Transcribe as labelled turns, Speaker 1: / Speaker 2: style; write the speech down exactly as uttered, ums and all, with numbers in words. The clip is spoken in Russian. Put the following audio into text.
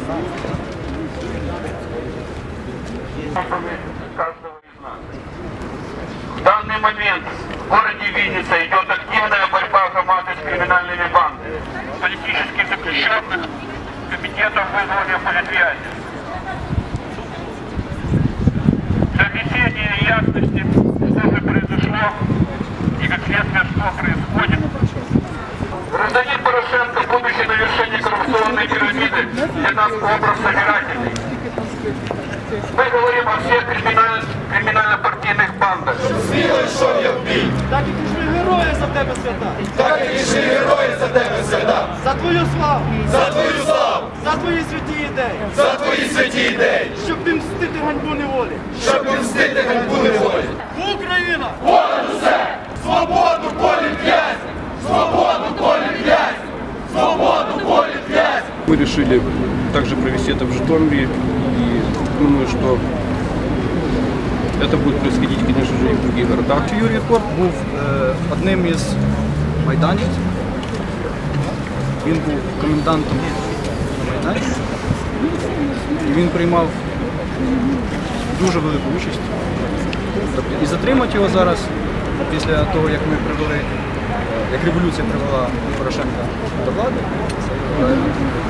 Speaker 1: Каждого из нас. В данный момент в городе Винница идет активная борьба громады с криминальными бандами. Политических заключенных, комитетов вызвания политвязни. Для внесения ясности, что же произошло и как следствие, что происходит. Гражданин Порошенко, будучи на вершине коррупционной пирамиды, для нас образ собирательный. Мы говорим о всех криминаль... криминально-партийных бандах.
Speaker 2: Сміло йшов я в бій.
Speaker 3: Так і пішли герої за тебе свята.
Speaker 2: Так і пішли герої за тебе свята.
Speaker 3: За твою славу.
Speaker 2: За твою славу.
Speaker 3: За твої святі ідеї.
Speaker 2: За твої святі ідеї.
Speaker 3: Щоб мстити ганьбу неволі.
Speaker 2: Щоб мстити ганьбу неволі.
Speaker 3: Україна!
Speaker 2: Понад усе! Свободу полі в'язь! Свободу полі в'язь! Свободу полі в'язь!
Speaker 4: Мы решили также провести это в Житомире, и думаю, что это будет происходить, конечно же, и в других городах.
Speaker 5: Юрій Корп був е, одним із майданівців. Він був комендантом Майдану. І він приймав дуже велику участь. Тобто, і затримати його зараз, після того, як ми привели, як революція привела Порошенка до влади,